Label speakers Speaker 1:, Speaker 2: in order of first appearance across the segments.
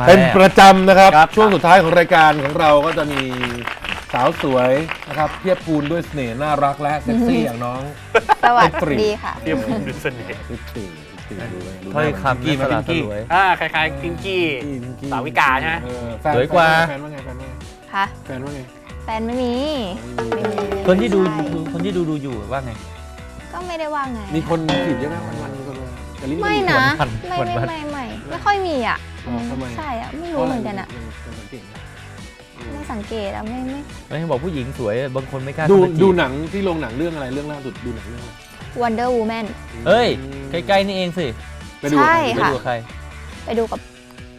Speaker 1: เป็นประจำนะครับช่วงสุดท้ายของรายการของเราก็จะมีสาวสวยนะครับเพียบพูนด้วยเสน่ห์น่ารักและเซ็กซี่อย่างน้อง
Speaker 2: สวัสดีค่ะ
Speaker 3: เทียบคุณดูเสน่ห์
Speaker 4: ถ้อยคำที่สลัดสลวย
Speaker 3: คล้ายๆพิงกี้สาวิกาใช่ไหม
Speaker 4: สวยกว่า
Speaker 1: แฟนว่าไงแฟนว่าไง
Speaker 2: ค่ะ
Speaker 1: แฟนว่าไง
Speaker 2: แฟนไม่มีไม่มี
Speaker 4: คนที่ดู
Speaker 2: ใช่
Speaker 4: คนที่ดูอยู่ว่าไง
Speaker 2: ก็ไม่ได้ว่าไง
Speaker 1: มีคนจีบเยอะไหมวันๆมีคนมาแต่ลิ้น
Speaker 2: ไม่นะ
Speaker 4: วัน
Speaker 2: ไม่ค่อยมีอ่ะ
Speaker 1: อ๋อทำไม
Speaker 2: ใช่อ่ะไม่รู้เหมือนกันอ่ะ
Speaker 1: สังเกตไหม
Speaker 2: ไม่สังเกตอ่ะไม่
Speaker 4: ไม่บอกผู้หญิงสวยบางคนไม่กล้า
Speaker 1: ดู
Speaker 4: เข้าไปจีบ
Speaker 1: ดูหนังที่โรงหนังเรื่องอะไรเรื่องล่าสุดดูหนังเรื่องอะไร
Speaker 2: Wonder Woman
Speaker 4: เฮ้ยใกล้ๆนี่เองสิ
Speaker 1: ไปดูกับ
Speaker 2: ใช่
Speaker 1: ใคร
Speaker 4: ไป
Speaker 2: ค่ะ
Speaker 4: ดูกับใคร
Speaker 2: ไปดูกับ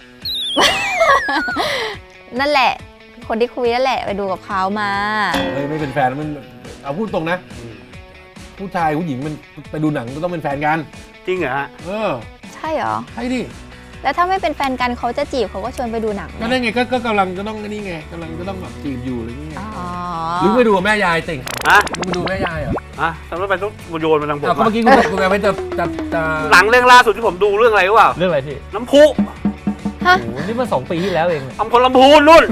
Speaker 2: นั่นแหละ คนที่คุยนั่นแหละไปดูกับเขามา
Speaker 1: เฮ้ยไม่เป็นแฟนมันเอาพูดตรงนะ ผู้ชายผู้หญิงมันไปดูหนังก็ต้องเป็นแฟนกัน
Speaker 3: จริงเหรอฮะ
Speaker 1: เออ
Speaker 2: ใช่เหรอ
Speaker 1: ใช่ดิ
Speaker 2: แล้วถ้าไม่เป็นแฟนกันเขาจะจีบเขาก็ชวนไปดูหนัง
Speaker 1: ก็ได้ไงก็กำลังก็ต้องนี่ไงกำลังก็ต้องแบบจีบอยู่อะไรเงี้ย
Speaker 2: อ๋อ
Speaker 1: หรือไปดูกับแม่ยายติ่ง
Speaker 3: ฮะ
Speaker 1: มึงไปดูแม่ยายเหรอ
Speaker 3: ทำไมต้องโยนมาทางผม
Speaker 1: อ้าวก็
Speaker 3: อะ
Speaker 1: เมื่อกี้คุณไปจะ
Speaker 3: หนังเรื่องล่าสุดที่ผมดูเรื่องอะไรรู้เปล่า
Speaker 4: เรื่องอะไรพี่
Speaker 3: น้ำพุ
Speaker 2: ฮะ
Speaker 4: โอ้โหนี่เมื่อ2 ปีที่แล้วเอง
Speaker 3: อำพลลำพูนนู่น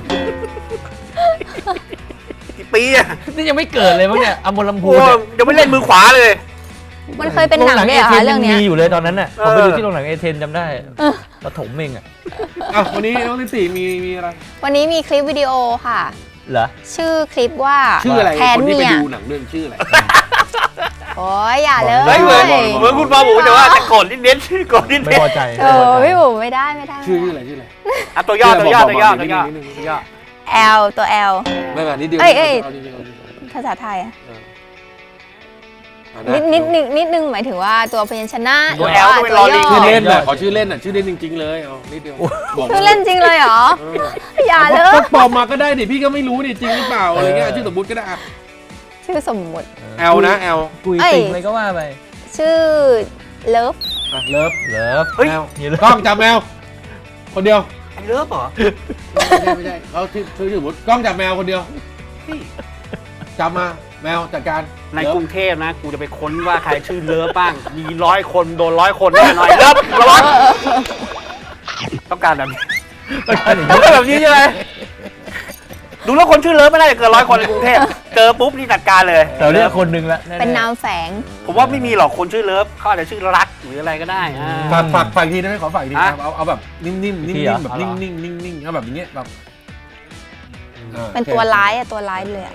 Speaker 3: กี่ปีอะ
Speaker 4: นี่ยังไม่เกิดเลยมั้งเนี่ยอมรลำพู
Speaker 3: โอ้
Speaker 4: นเนี่ย
Speaker 3: ยังไม่เล่นมือขวาเลย
Speaker 2: มันเคยเป็นหนังด้วยเหรอคะเรื่องเนี้ย
Speaker 4: มีอยู่เลยตอนนั้นน่ะ
Speaker 3: เอ
Speaker 4: ผ
Speaker 3: อ
Speaker 4: มไปดูที่โรงหนังเอเธนจำได้ปฐมเองอ่ะ
Speaker 1: อ้าววันนี้น้องลิสี่มีอะไร
Speaker 2: วันนี้มีคลิปวิดีโอค่ะ
Speaker 4: เหรอ
Speaker 2: ชื่อคลิปว่า
Speaker 1: ชื่ออะไร
Speaker 2: แทน
Speaker 1: คนที่ไป
Speaker 2: เมีย
Speaker 1: ดูหนังเรื่องชื่ออะไร
Speaker 2: โอ้ยอย่าเลย
Speaker 3: เฮ้ยเหมือนคุณปาบูแต่ว่าจะโกรธนิดๆโกรธนิด
Speaker 4: ไม่พอใจ
Speaker 2: โอ้พี่บุ๋มไม่ได้
Speaker 1: ชื่ออะไรชื่ออะไร
Speaker 3: ๆตัวย่อ
Speaker 1: นิดนึง
Speaker 2: L ตัว L
Speaker 1: ไม่แบบนิดเดียว
Speaker 2: เอ้ย
Speaker 1: เอานิดเดียว
Speaker 2: ภาษาไทยอะ
Speaker 1: เอา
Speaker 2: นิดนึงหมายถึงว่าตัวพยัญชนะ
Speaker 3: ตัว
Speaker 2: หรื
Speaker 3: L
Speaker 2: ว่า
Speaker 3: ก็เป็นลอลิง
Speaker 1: ชื่อเล่นน่ะขอชื่อเล่นน่ะชื่อเล่นจริงๆเลยเอานิดเดียวบอก
Speaker 2: ชื่อเล่นจริงเลยเหรอ อย่าเลย
Speaker 1: ก็ปลอมมาก็ได้ดิพี่ก็ไม่รู้ดิจริงหรือเปล่าอะไรเงี้ยชื่อสมมุติก็ได้อะ
Speaker 2: ชื่อสมมุติ
Speaker 1: แอลนะแอล
Speaker 4: กุย
Speaker 2: เอ้ย
Speaker 4: ติ่งอะไรก็ว่าไป
Speaker 2: ชื่อเลิฟ
Speaker 1: เลิฟ
Speaker 4: เลิฟ
Speaker 3: เฮ้ย
Speaker 1: แมว
Speaker 4: นี่เลิฟ
Speaker 1: กล้องจับแมวคนเดียว
Speaker 3: ไอ้เลิฟเหรอ
Speaker 1: ไม่ใช่เขาชื่อสมมติกล้องจับแมวคนเดียวจับมาแมวจัดการ
Speaker 3: ในกรุงเทพนะกูจะไปค้นว่าใครชื่อเลิฟบ้างมี100 คนโดน100 คนแน่นอนเลิฟระวังต้องการแบบนี้ต้องการแบบนี้ใช่ไหมดูแล้วคนชื่อเลิฟไม่น่าจะเกิน100 คนในกรุงเทพเจอปุ๊บนี่จัดการเลย
Speaker 4: แต่เรียกคนหนึ่งละแๆ
Speaker 2: เป็นนามแฝง
Speaker 3: ผมว่าไม่มีหรอกคนชื่อเลิฟเขาอาจจะชื่อรักหรืออะไรก็ได้
Speaker 1: ฝากอีกทีได้ไหมขอฝากอีกทีครับเอาแบบนิ่มๆนิ่มๆแบบนิ่งๆเอาแบบอย่างเงี้ยแบบ
Speaker 2: เป็นตัวร้ายอะตัวร้ายเลยอะ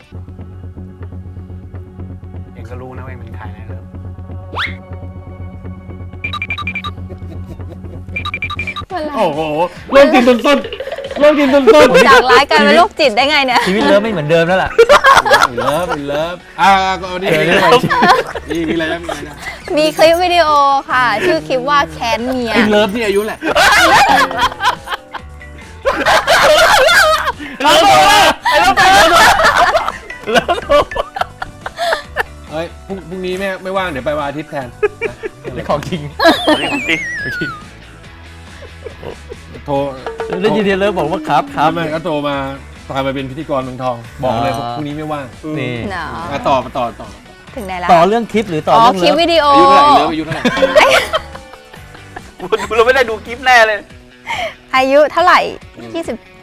Speaker 3: เองก็รู้นะว่าเองเป็นใครนะเลิฟ
Speaker 1: โอ้โหเริ่มกินต้นเริ่มกินต้น
Speaker 2: จากร้ายกลายเป็นโรคจิตได้ไงเนี่ย
Speaker 4: ชีวิตเลิฟไม่เหมือนเดิมแล้วล่ะ
Speaker 1: เลิฟก็เอาดิมีอะไรนะมีอะไรนะ
Speaker 2: มีคลิปวิดีโอค่ะ ชื่อคลิปว่าแค้นเมีย
Speaker 1: ไอ้เลิฟนี่อายุแหละ เฮ้ยพรุ่งนี้ไม่ว่างเดี๋ยวไปวันอาทิตย์แทน
Speaker 4: นี่ของจริง
Speaker 1: โทร
Speaker 4: ได้ยินเลิฟบอกว่าครับครับ
Speaker 1: แม่ก็โทรมาตามมาเป็นพิธีกรเมืองทอง บอกเลยพรุ่งนี้ไม่ว่าง
Speaker 4: นี่
Speaker 2: เนาะ
Speaker 1: ต่อ
Speaker 2: ถึงไหนแล้ว
Speaker 4: ต่อเรื่องคลิปหรือต่อ
Speaker 2: อ๋อ
Speaker 4: เรื่อง
Speaker 2: คลิป
Speaker 4: เลิฟ
Speaker 2: วิดีโอ
Speaker 1: อายุเท่าไหร่เลิฟอายุเท่าไหร่
Speaker 3: ดูเราไม่ได้ดูคลิปแน่เลย
Speaker 2: อายุเท่าไหร่ 26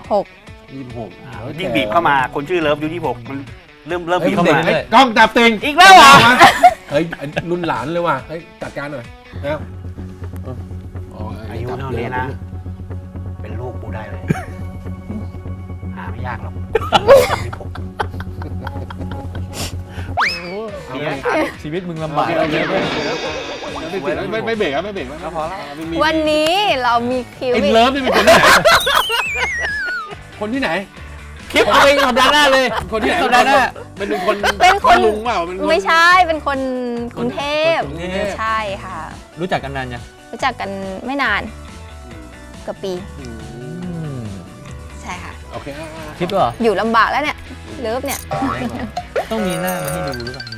Speaker 1: 26
Speaker 3: ยิ่งบีบเข้ามาคนชื่อเลิฟอายุ26มันเริ่มบีบเข้ามา
Speaker 1: กล้องจับติง
Speaker 3: อีกแล้วเหรอ
Speaker 1: เฮ้ยรุ่นหลานเลยว่ะเฮ้ยจัดการหน่อยนะ
Speaker 3: อายุเท่านี้นะ เป็นลูกกูได้เลย หาไม่ยากหรอก
Speaker 4: ชีวิตมึงลำบาก
Speaker 1: ไม่เบรกไม่เบรกแล้วพอแล้ว
Speaker 2: วันนี้เรามีคลิป
Speaker 1: ไอ้เลิฟนี่เป็นคนที่ไหนคนที่ไหน
Speaker 4: คลิปเอาเองสัปดาห์หน้าเลย
Speaker 1: คนที่ไหน
Speaker 4: สัปดาห์หน้า
Speaker 1: เป็นคนลุงเปล่าเป็นคน
Speaker 2: ไม่ใช่เป็นคนกรุงเทพ
Speaker 4: คนกรุงเทพ
Speaker 2: ใช่ค่ะ
Speaker 4: รู้จักกันนานยัง
Speaker 2: รู้จักกันไม่นานเกือบปี ใช่ค่ะ
Speaker 1: โอเค
Speaker 4: คลิปเหรอ
Speaker 2: อยู่ลำบากแล้วเนี่ยเลิฟเนี่ย
Speaker 4: ต้องมีหน้ามาให้ดูหรือเปล่า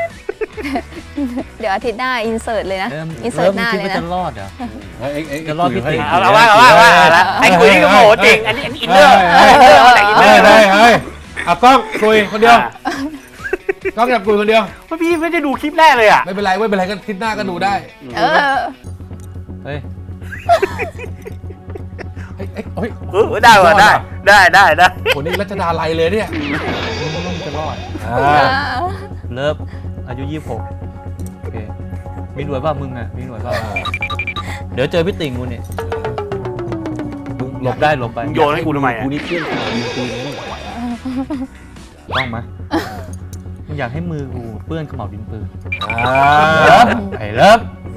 Speaker 2: เดี๋ยวอาทิตย์หน้าอินเสิร์ตเลยนะ อินเสิ
Speaker 4: เลิ
Speaker 2: ร์
Speaker 4: ฟ
Speaker 2: ตหน้า
Speaker 4: คิด
Speaker 2: เลย
Speaker 4: ว่า
Speaker 2: นะ
Speaker 4: จะรอดเหรอ
Speaker 1: จะรอดพี่ติ๋ง
Speaker 3: เอาละว่าไอ้คุยนี่ก็โหจริง อันนี้อินเนอร์แต่อินเนอร์
Speaker 1: ได้เอากล้องคุยคนเดียวกล้องจับคุยคนเดียว
Speaker 3: พี่ไม่ได้ดูคลิปแรกเลยอ่ะ
Speaker 1: ไม่เป็นไรก็ทิศหน้าก็ดูได้
Speaker 2: เออ
Speaker 4: เฮ้ย
Speaker 1: เอ้ยเฮ้ย
Speaker 3: ได้ว่ะได้
Speaker 1: คนนี้รัชดาลัยเลยเนี่ย
Speaker 4: ต้องจะรอด เลิฟอายุ26โอเคมีหน่วยป่ะมึงอ่ะมีหน่วยป่ะเดี๋ยวเจอพี่ติ่งกูเนี่ยมึงหลบได้หลบไป
Speaker 3: โยนให้กูทำไมอ่ะ
Speaker 1: กูนี่เพื่อนกูยิงปืนนะนี่
Speaker 4: ต้องไหมมึงอยากให้มือกูเปื้อนขม่าวดินปืน ไอ้เลิฟ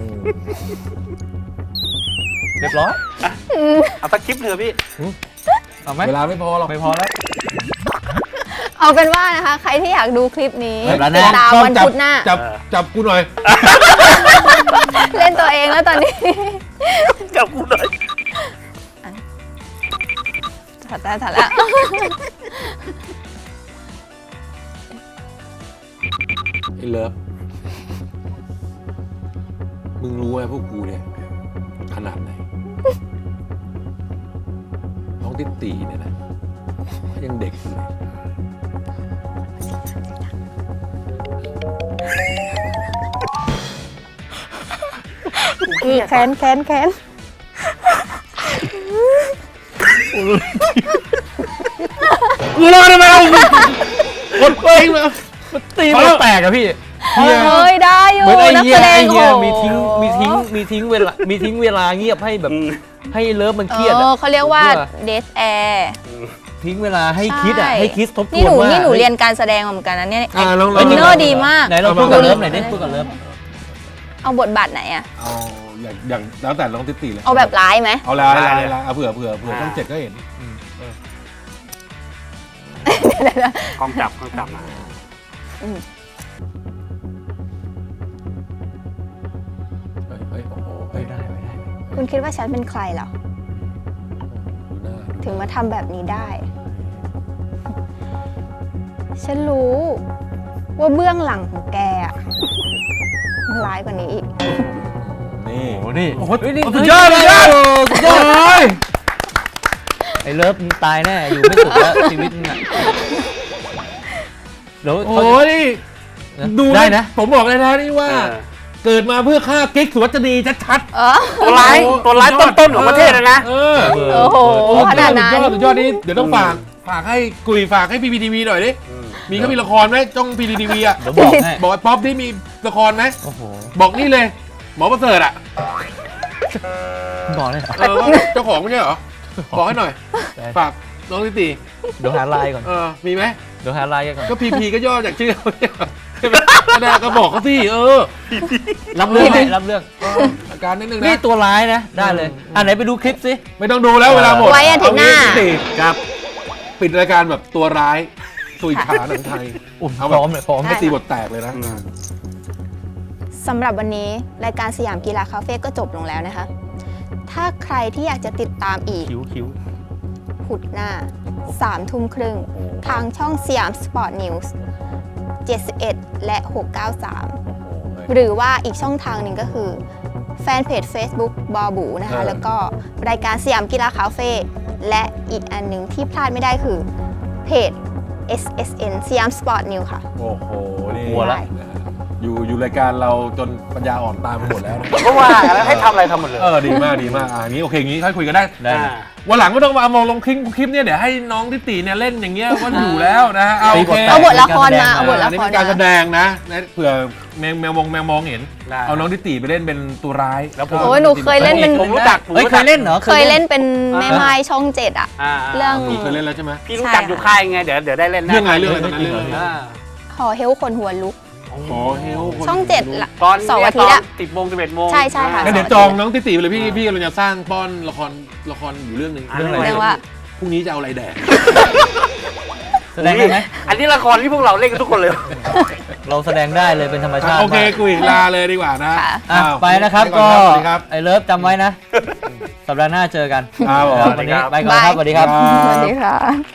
Speaker 4: เรียบร้อย
Speaker 3: เอาสักคลิปเถอะพี่
Speaker 4: เอาไหม
Speaker 1: เวลาไม่พอหรอก
Speaker 4: ไม่พอแล้ว
Speaker 2: เอาเป็นว่านะคะ ใครที่อยากดูคลิปนี้
Speaker 4: เฮ้ย
Speaker 2: ติดตามวันพุธหน้า
Speaker 1: จับกูหน่อย
Speaker 2: เล่นตัวเองแล้วตอนนี้
Speaker 3: จับกูหน่อย
Speaker 2: ถัดแล้ว
Speaker 1: ไอ้เลิฟมึงรู้ไหมพวกกูเนี่ยขนาดไหน น้องติ๊ตีเนี่ยนะยังเด็กอยู่เลย
Speaker 2: แค้น
Speaker 1: กูรอได้ไหมเอาคนเองมา
Speaker 4: ตีมันแตกอะพี่
Speaker 2: เฮ้ยได้อยู่
Speaker 4: เหมือนไอ้
Speaker 2: นัก
Speaker 4: เหี้
Speaker 2: แส
Speaker 4: ย
Speaker 2: ดง
Speaker 4: ไอ้เหี้ย
Speaker 2: โอ้โห
Speaker 4: มีทิ้งเวลาเงียบให้แบบให้เลิฟมันเครียดอะ
Speaker 2: เขาเรียกว่าเดทแอร์
Speaker 4: ทิ้งเวลาให้คิดอะให้คิดทบทวน
Speaker 2: นี่หนู
Speaker 4: ว่า
Speaker 2: เรียนการแสดงมาเหมือนกันนะเนี่ย
Speaker 1: ลอง
Speaker 2: อินเนอร์ดีมาก
Speaker 4: ไหนเราพูดกับเลิฟหน่อยดิพูดกับเลิฟ
Speaker 2: เอาบทบาทไหนอะ
Speaker 1: เอาอย่างแล้วแต่น้องติ๊ตีเลย
Speaker 2: เอาแบบร้ายไหม
Speaker 1: เอาลายเอาเผื่อต้องเจ็ดก็เห็น
Speaker 3: กล้องจับมา
Speaker 1: เฮ้ยโอ้โห
Speaker 4: ไม่ได้
Speaker 2: คุณคิดว่าฉันเป็นใครเหรอ
Speaker 1: ดูหน้า
Speaker 2: ถึงมาทำแบบนี้ได้ ฉันรู้ว่าเบื้องหลังของแกอะมันร้ายกว่านี้อีก
Speaker 1: นี่
Speaker 4: โอ้นี่
Speaker 1: โอ้โห
Speaker 4: นี่
Speaker 1: สุดยอดเลยสุดยอดเลย
Speaker 4: ไอ้เลิฟมึงตายแน่อยู่ไม่สุดแล้วชีวิตมึงอะเดี๋ยว
Speaker 1: โอ้นี่ดู
Speaker 4: ได้นะ
Speaker 1: ผมบอกเลยนะนี่ว่า เกิดมาเพื่อฆ่ากิ๊กสุวัจนีชัด
Speaker 2: เออ
Speaker 3: ตัวร้ายต้นๆของประเทศเลยนะ
Speaker 1: เออ
Speaker 2: โอ้โหขนาดนั้น
Speaker 1: สุดยอดนี่เดี๋ยวต้องฝากให้กุยฝากให้พีพีทีวีหน่อยดิมีเขามีละครไหมจ้องพีพีทีวีอ่ะ
Speaker 4: เดี๋ยวบอกให้
Speaker 1: บอกไอ้ป๊อปที่มีละครไหม
Speaker 4: โอ้โห
Speaker 1: บอกนี่เลย หมอประเสริฐอ่ะ
Speaker 4: บอกเลยเหรอ
Speaker 1: ว่าเจ้าของไม่ใช่เหรอบอกให้หน่อย ฝากน้องติตี
Speaker 4: เดี๋ยวหาไลน์ก่อน
Speaker 1: มีไหม
Speaker 4: เดี๋ยวหาไลน์กันก่อน
Speaker 1: ก็พีพีก็ย่อจากชื่อเขาเนี่ยใช่ไหมก็ได้ก็บอกเขาสิ
Speaker 4: รับเรื่องให้รับเรื่อง
Speaker 1: อาการนิดนึง
Speaker 4: นี่
Speaker 1: นะ
Speaker 4: ตัวร้ายนะ ได้เลยอ่ะไหนไปดูคลิปสิ
Speaker 1: ไม่ต้องดูแล้วเวลาหมด
Speaker 2: ไว้อาทิตย์หน้า
Speaker 1: เองี้ติครับปิดรายการแบบตัวร้ายตุยขาหนังไทย
Speaker 4: พร้อมเลยพร้อม
Speaker 1: ให้ตีบทแตกเลยนะ
Speaker 2: สำหรับวันนี้รายการสยามกีฬาคาเฟ่ก็จบลงแล้วนะคะ ถ้าใครที่อยากจะติดตามอีก
Speaker 4: คิ้ว
Speaker 2: พุธหน้า3 ทุ่มครึ่ง ทางช่องสยามสปอร์ตนิวส์71 และ 693 หรือว่าอีกช่องทางหนึ่งก็คือ แฟนเพจ Facebook บอบูนะคะ แล้วก็รายการสยามกีฬาคาเฟ่และอีกอันหนึ่งที่พลาดไม่ได้คือเพจ SSN สยามสปอร์ตนิวค่ะ
Speaker 1: โอ้โหนี่
Speaker 4: กลัวละ
Speaker 1: อยู่รายการเราจนปัญญาอ่อนตามไปหมดแล้วนะ
Speaker 3: ก็ว่าแล้วให้ทำอะไรทำหมดเลย
Speaker 1: ดีมากงี้โอเคงี้ค่อยคุยกันได้
Speaker 4: ได้
Speaker 1: วันหลังก็ต้องมามองลงคลิปเนี่ยเดี๋ยวให้น้องทิติเนี่ยเล่นอย่างเงี้ยก็อยู่แล้วนะฮะโอเค
Speaker 2: เอาบทละครมาเอาบทละ
Speaker 1: อันนี้
Speaker 2: คร
Speaker 1: เป็นการแส
Speaker 2: มา
Speaker 1: ดงนะเผื่อแมวมองเห็น
Speaker 3: ได้
Speaker 1: เอาน้องทิติไปเล่นเป็นตัวร้าย
Speaker 3: แล้วผม
Speaker 2: โอ้ยหนูเคยเล่นเป็น
Speaker 3: ผมรู้จัก
Speaker 4: เฮ้ยเคยเล่นเหรอ
Speaker 2: เคยเล่นเป็นแม่ไม้ช่อง7อ่ะ เรื่อง
Speaker 1: หนูเคยเล่นแล้วใช่ไหม
Speaker 3: พี่รู้จักอยู่ค่ายไงเดี๋ยวได้เล่น
Speaker 1: เรื่องอะไรเรื่องอะไรตอนนั้นเรื่องอะไร
Speaker 2: หอเฮลคนหัวลุก
Speaker 1: ขอเฮลคน
Speaker 2: ช่อง7ละ
Speaker 3: ตอน
Speaker 2: เสาร์อาทิตย์อะ
Speaker 3: 10 โมง 11 โมง
Speaker 2: ใช่ค่ะ
Speaker 1: งั้นเดี๋ยวจองน้องทิติไปเลยพี่กำลังจะสร้างป้อนละครอยู่เรื่องหนึ่ง
Speaker 4: เรื่องอะไร
Speaker 2: เรียกว่า
Speaker 1: พรุ่งนี้จะเอาอะไรแดก
Speaker 4: แสดงได้ไหม
Speaker 3: อันนี้ละครที่พวกเราเล่นกันทุกคนเลย
Speaker 4: เราแสดงได้เลยเป็นธรรมชาติ
Speaker 1: โอเค
Speaker 4: มาก
Speaker 1: กุยลาเลยดีกว่านะ
Speaker 2: ค่ะ
Speaker 4: อ่ะ
Speaker 1: อ้าว
Speaker 4: ไปนะครับ
Speaker 1: ไป
Speaker 4: ก็
Speaker 1: อนสวัสดีครับ
Speaker 4: ไอ้เลิฟจำไว้นะ สัปดาห์หน้าเจอกัน
Speaker 1: ครับผม
Speaker 4: วันนี้ไปก่อนครับสวัสดีครับ
Speaker 2: สวัสดีค่ะ